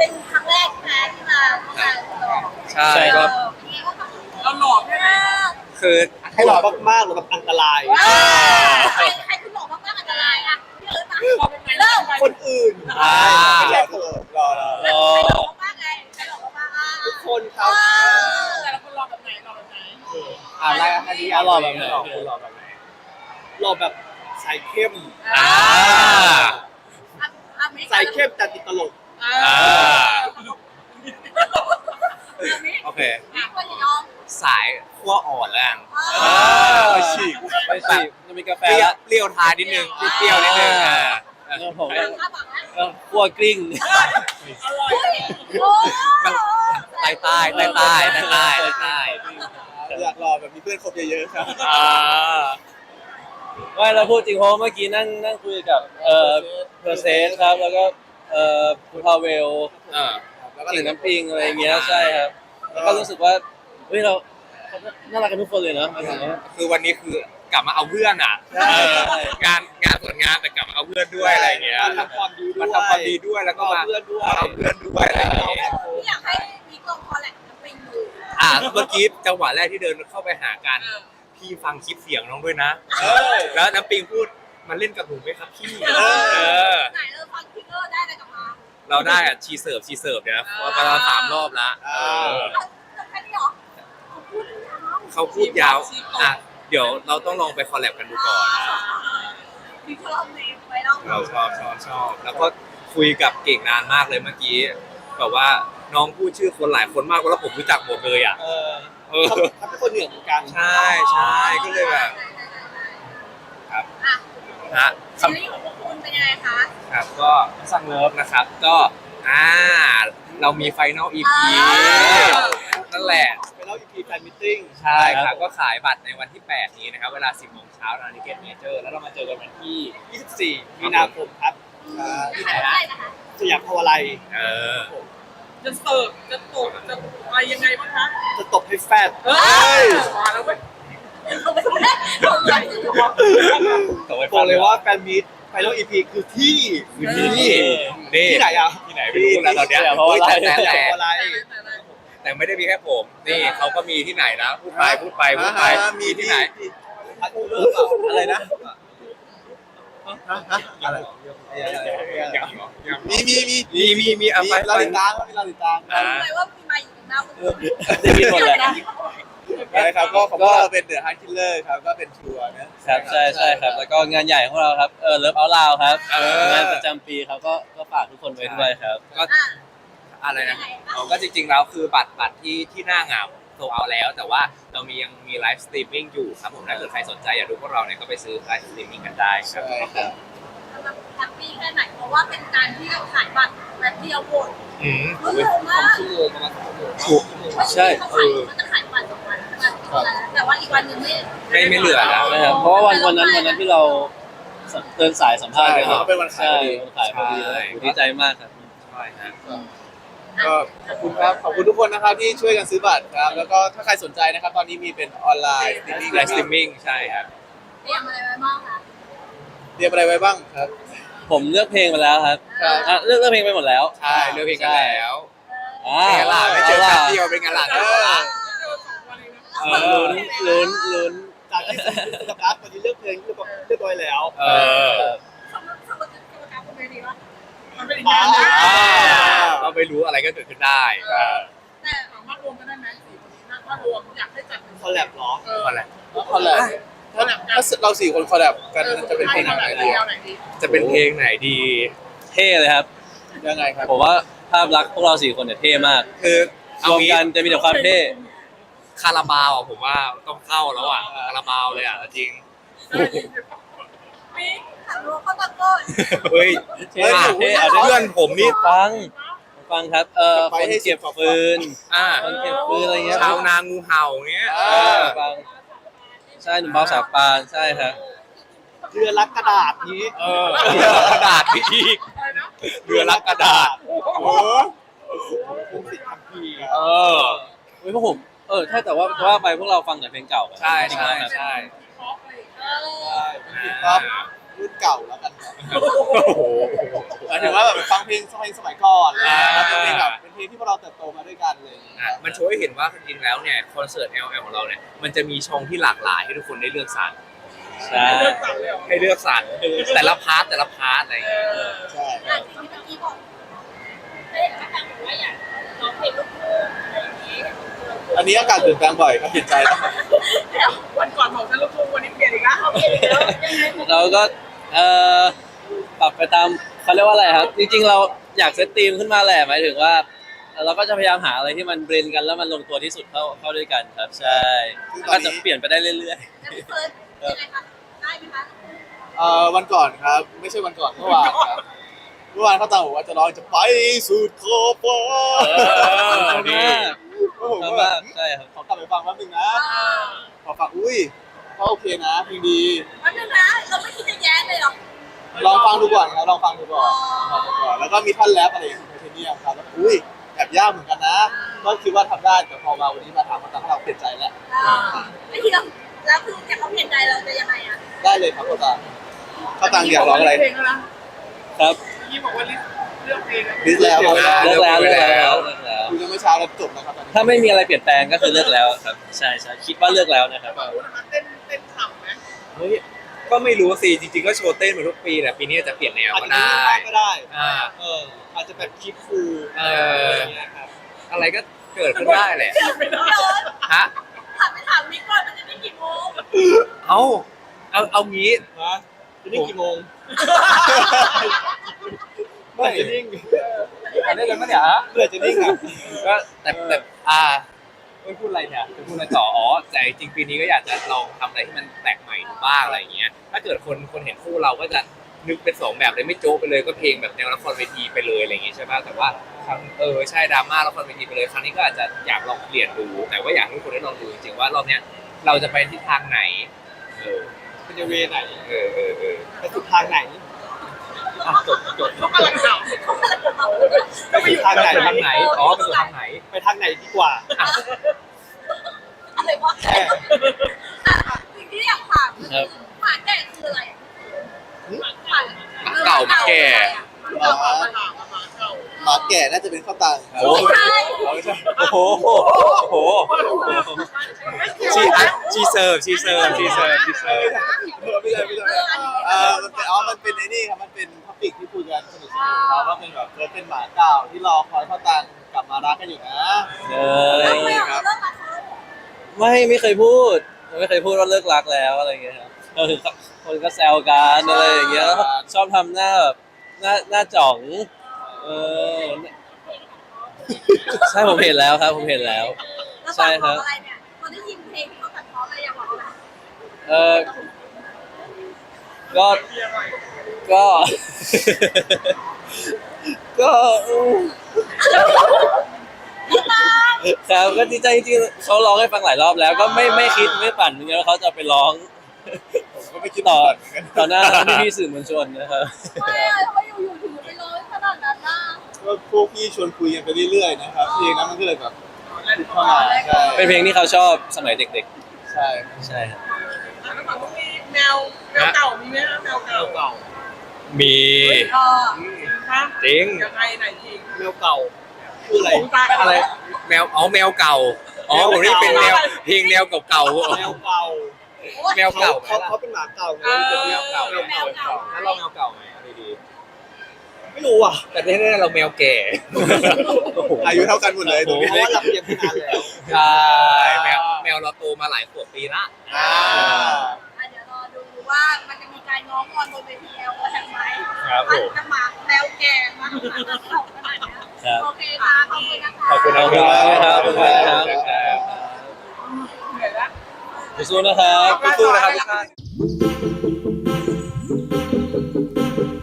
เป็นครั้งแรกใช่ไหมที่มาหล่อใช่ครับเป็นไงบ้างคะเราหล่อใช่ไหมคือให้หล่อมากๆหรือแบบอันตรายใครคุณหล่อมากๆอันตรายอ่ะพี่เอิร์ธมาเริ่มคนอื่นอ่าไม่ใช่เธอหล่อใครหล่อมากๆไงใครหล่อมากๆอ่ะทุกคนครับแต่ละคนหล่อแบบไหนหล่อแบบไหนอะไรอันนี้หล่อแบบไหนหล่อคุณหล่อแบบไหนหล่อแบบใส่เข้มอ่าใส่เข้มแต่ติดตลกโอเคมีคนยอมสายขั้วอ่อนแล้วกันไปฉีกไปฉีกจะมีกาแฟเปรี้ยวทานนิดนึงเปรี้ยวนิดนึงผมข้าวบังนะขั้วกลิ้งโอ้ใต้ใต้ใต้ใต้ใต้ใต้ใต้อยากหล่อแบบมีเพื่อนคบเยอะๆครับไม่เราพูดจริงเพราะเมื่อกี้นั่งคุยกับเพอร์เซสครับแล้วก็คุณพาเวลแล้วก็กิ่งน้ำปิงอะไรอย่างเงี้ยใช่ครับแล้วก็รู้สึกว่าเฮ้ยเราน่ารักกันทุกคนเลยเนาะหมายถึงว่าคือวันนี้คือกลับมาเอาเพื่อนอ่ะงานส่วนงานแต่กลับมาเอาเพื่อนด้วยอะไรอย่างเงี้ยมาทำความดีด้วยมาทำความดีด้วยแล้วก็มาเอาเพื่อนด้วยเอาเพื่อนด้วยอะไรอย่างเงี้ยพี่อยากให้มีกองคอแลกไปดูเมื่อกี้จังหวะแรกที่เดินเข้าไปหากันพี่ฟังคลิปเสียงน้องด้วยนะเออแล้วน้ำปิงพูดมันเล่นกับหนูไหมครับพี่ไหนฟังพิกเกอร์ได้อะไรกลับมาเราได้อะชีเสิร์ฟเนี่ยนะประมาณ3 รอบละแค่นี้หรอเขาพูดยาวเดี๋ยวเราต้องลองไปคอลแลบกันดูก่อนพี่เขาลองเนมไว้แล้วเราชอบแล้วก็คุยกับเก่งนานมากเลยเมื่อกี้แบบว่าน้องพูดชื่อคนหลายคนมากแล้วผมรู้จักหมดเลยอ่ะเขาเป็นคนเหนือเหมือนกันใช่ก็เลยแบบครับอ่ะฮะซีรีส์ของพวกคุณเป็นยังไงคะครับก็สั่งเลิฟนะครับก็เรามีไฟนอล EP นั่นแหละไปเล่า EP แฟนมิทติ้งใช่ครับก็ขายบัตรในวันที่ 8 นี้นะครับ เวลา 10 โมงเช้าทางนิเกตเมเจอร์แล้วเรามาเจอกันวันที่ 24 มีนาคมครับที่ไหนได้นะคะสยามพาวาไลเออจะเสิร์ฟจะตกจะอะไรยังไงบ้างคะจะตบให้แฟดเฮ้ยมาแล้วเว้ยเราไม่ได้เราไม่ได้บอกเลยว่าแฟนมิตไฟนอล EP คือที่นี่ที่ไหนอ่ะที่ไหนไม่รู้แล้วตอนเนี้ยเพราะว่าแต่สยามพาวาไลแต่ไม่ได้มีแค่ผม นี่เขาก็มีที่ไหนนะพูดไปมีที่ไหนอะไรนะอะไรมีเอาไปเราติดตามเราติดตามรู้เลยว่ามีมาอยู่ตรงหน้าคุณได้ยินหมดเลยนะครับก็ของเราเป็นเดอะฮาร์ดคิลเลอร์ครับก็เป็นทัวร์นะครับใช่ครับแล้วก็งานใหญ่ของเราครับเลิฟเอาลาวครับงานประจำปีครับก็ฝากทุกคนไว้ด้วยครับก็อะไรนะก็จริงๆแล้วคือบัตรที่หน้างานโซเอาแล้ว แต่ว่าเรายังมีไลฟ์สตรีมมิ่งอยู่ครับผมถ้าเกิดใครสนใจอยากดูพวกเราเนี่ยก็ไปซื้อไลฟ์สตรีมมิ่งกันได้ครับแฮปปี้แค่ไหนเพราะว่าเป็นการที่ขายบัตรแบบเดียวหมดอืมรู้สึกมากใช่เขาจะขายบัตร2 วันแต่ว่าอีกวันหนึ่งไม่เหลือแล้วนะครับเพราะว่าวันนั้นที่เราเดินสายสัมภาษณ์กันเป็นวันขายใช่วันขายพอดีดีใจมากครับใช่ฮะก็ขอบคุณครับขอบคุณทุกคนนะครับที่ช่วยกันซื้อบัตรครับแล้วก็ถ้าใครสนใจนะครับตอนนี้มีเป็นออนไลน์สตรีมมิ่งไลฟ์สตรีมมิ่งใช่ครับเตรียมอะไรไว้บ้างคะเตรียมอะไรไว้บ้างครับผมเลือกเพลงไปแล้วครับครับเลือกเพลงไปหมดแล้วใช่เลือกเพลงกันแล้วอ่าเป็นไงล่ะไม่เจอแป๊บเดียวเป็นไงล่ะลุ้นจากที่ซื้อกับรับวันนี้เลือกเพลงเรียบร้อยแล้วเออสำหรับการคนดีวะมันเป็นอีกงานหนึงเราไม่รู้อะไรก็เกิดขึ้นได้แต่สามารถรวมกันได้ไหม4 คนนี้ถ้ารวมอยากให้จัดเป็นคอลแลบเหรออะไรคอลแลบถ้าเรา4 คนคอลแลบกันจะเป็นเพลงไหนดีแนวไหนดีจะเป็นเพลงไหนดีเท่เลยครับยังไงครับผมว่าภาพลักษณ์พวกเรา4 คนเนี่ยเท่มากคือรเอาวมงี้กันจะมีแต่ความเท่คาราบาวอ่ะผมว่าต้องเข้าแล้วอ่ะคาราบาวเลยอ่ะจริงมีขันรัวเข้าตะโกนเฮ้ยเท่เท่เอาเพื่อนผมนี่ฟังครับคนเก็บฟืน คนเก็บฟืนอะไรเงี้ยชาวนางูเห่าเงี้ยฟังใช่หนุ่มเบาสาวปานใช่ครับเรือรักกระดาษนี้เรือรักกระดาษพี่เรือรักกระดาษโอ้ภูมิสิทธิ์คัมภีร์เออเฮ้ยพวกผมใช่แต่ว่าไปพวกเราฟังแต่เพลงเก่าใช่จริงๆครับใช่เออครับรุ่นเก่าแล้วกันโอ้โหหมายถึงว่าแบบฟังเพลงสมัยก่อนอะไรอย่างเลยเป็นเพลงแบบเป็นเพลงที่พวกเราเติบโตมาด้วยกันเลยมันโชว์ให้เห็นว่าจริงๆแล้วเนี่ยคอนเสิร์ต LL ของเราเนี่ยมันจะมีช่องที่หลากหลายให้ทุกคนได้เลือกสรรใช่เลือกสั่งเลยเหรอให้เลือกสรรแต่ละพาร์ทอะไรอย่างเงี้ยใช่อ่ะจริงๆเมื่อกี้บอกได้เห็นว่าทางบอกว่าอยากร้องเพลงลูกทุ่งอะไรอย่างนี้อันนี้อากาศเปลี่ยนแปลงบ่อยครับเปลี่ยนใจแล้วแล้ววันก่อนของฉันลูกทุ่งวันนี้เปลี่ยนอีกแล้วเอาเพลงอีกแล้วยังไงผมเราก็ปรับไปตามเขาเรียกว่าอะไรครับ จริงๆเราอยากเซตธีมขึ้นมาแหละหมายถึงว่าเราก็จะพยายามหาอะไรที่มันเบรนกันแล้วมันลงตัวที่สุดเข้าด้วยกันครับใช่ก็จะเปลี่ยนไปได้เรื่อยแล้วพี่เฟิร์สยังไงคะได้ไหมคะวันก่อนครับ ไม่ใช่วันก่อนเมื่อวานครับเมื่อวานเขาตามบอกว่าจะร้องจะไปสุดขอบฟ้าๆชอบมากก็ผมชอบก็แบมากบใช่ครับขอกลับไปฟังแป๊บนึงนะ พอฟังอุ้ยก็โอเคนะเพลงดีวันนึงนะเราไม่คิดจะแย้งเลยหรอลองฟังดูก่อนครับลองฟังดูก่อนลองฟังดูก่อนแล้วก็มีท่อนแรปอะไรอย่างเงี้ยของเทเนียมครับแล้วอุ้ยแอบยากเหมือนกันนะก็คิดว่าทำได้แต่พอมาวันนี้มาถามมาตามเราเปลี่ยนใจแล้วไม่ทีเราแล้วคือจะเขาเปลี่ยนใจเราจะยังไงอ่ะได้เลยครับเขาตังอยากร้องอะไรเพลงแล้วนะครับ เมื่อกี้บอกว่าลิสต์เลือกเพลงแล้วลิสต์แล้วครับเลิกแล้วเลิกแล้วคุยกันเมื่อเช้าแล้วจบนะครับตอนนี้ถ้าไม่มีอะไรเปลี่ยนแปลงก็คือเลิกแล้วครับใช่คิดว่าเลิกแล้วนะครับบอกว่านะคะเต้นขำไหมเฮ้ยก็ไม่รู้สิจริงๆก็โชว์เต้นเหมือนทุกปีแหละปีนี้อาจจะเปลี่ยนแนวอาจก็จะได้ก็ได้อาอาจจะแบบคลิปฟูลเออะไรออย่างเงี้ยครับอะไรก็เกิดขึ้นได้แหละไม่ได้ฮะถามไปถามมิกก่อนมันจะได้กี่โมงเอางี้ฮะจะนิ่งกี่โมงเมื่อไหร่จะนิ่งอันนี้เลยมั้ยเนี่ยเมื่อไหร่จะนิ่งอ่ะก็แต่ไม่พูดอะไรเนี่ยจะพูดอะไรต่อแต่จริงๆปีนี้ก็อยากจะลองทำอะไรที่มันแปลกใหม่ดูบ้างอะไรอย่างเงี้ยถ้าเกิดคนเห็นคู่เราก็จะนึกเป็นสองแบบเลยไม่โจ๊กไปเลยก็เพลงแบบแนวละครเวทีไปเลยอะไรอย่างงี้ใช่ป่ะแต่ว่าครั้งใช่ดราม่าละครเวทีไปเลยครั้งนี้ก็อาจจะอยากลองเปลี่ยนดูแต่ว่าอยากให้ทุกคนได้ลองดูจริงๆว่ารอบเนี้ยเราจะไปทิศทางไหนเออมันจะเวไหนเออไปสุดทางไหนจบเขากำลังขเขากำลังจะเอาำก็ไปอยู่ทางไหนไปทางไหนอ๋อไปสู่ทางไหนไปทางไหนดีกว่าอะไรวะสิ่งที่อยากถามคือหมาแก่คืออะไรหมาเก่าเก่ามาแก่เก่ามาถามมาเก่าหมาแก่น่าจะเป็นข้าวตังครับโอ้ไม่ใช่ไม่ใช่โอ้โหชีเซิร์ฟไม่ใช่มันเป็นไอ้นี่ครับมันเป็นท็อปิกที่คุยกันสนุกๆครับว่าเป็นแบบเป็นหมาเก่าที่รอคอยข้าวตังกลับมารักกันอยู่นะเอแล้วอไม่เอาเรื่องมาเขาไม่เคยพูดว่าเลิกรักแล้วอะไรอย่างเงี้ยครับคนก็แซวกันอะไรอย่างเงี้ยชอบทำหน้าแบบหน้าจ่องเออใช่ผมเห็นแล้วครับผมเห็นแล้วแล้วฟังของอะไรเนี่ยคนที่ยินเพลงที่เขาตัดพ้ออะไรอยากบอกอะไรเออก็ ก็ ก็ครับก็ดีใจจริงๆเขาร้องให้ฟังหลายรอบแล้ว ก็ไม่คิดไม่ฝันเหมือนกันว่าเขาจะไปร้องผมก็ไม่คิดต่อเหมือนกันต่อหน้าพี่ๆสื่อมวลชนนะครับไม่ทำไมอยู่ๆถึงไปร้อยขนาดนั้นน่ะก็พวกพี่ชวนคุยกันไปเรื่อยๆนะครับเพลงนั้นมันก็เลยแบบเข้ามาใช่เป็นเพลงที่เขาชอบสมัยเด็กใช่ๆ ใช่ครับแล้วฝั่งมีแมวเก่ามีไหมฮะแมวเก่ามีเออฮะจริงยังไงไหนจริงแมวเก่าคืออะไรผมตายอะไรแมวแมวเก่าผมนี่เป็นแนวเพลงแนวเก่าแมวเก่าแมวเก่าเขาเป็นหมาเก่าไงเป็นแมวเก่าแมวเก่าแล้วเราแมวเก่าไหมดีไม่รู้อ่ะๆแต่ที่แน่ๆเราแมวแก่อายุเท่ากันหมดเลยตรงนี้เพราะว่าเราเรียนนานแล้วใช่แมวเราโตมาหลายขวบปีละอ่าเดี๋ยวรอดูว่ามันจะมีการง้องอนบนเวทีเอลแทนไหมครับผมจะหมาแมวแก่มาหมาเก่าขนาดนี้ครับโอเคค่ะขอบคุณนะคะขอบคุณนะขอบคุณครับขอบคุณครับเหนื่อยแล้วสู้ๆนะครับสู้ๆนะครับทุกท่าน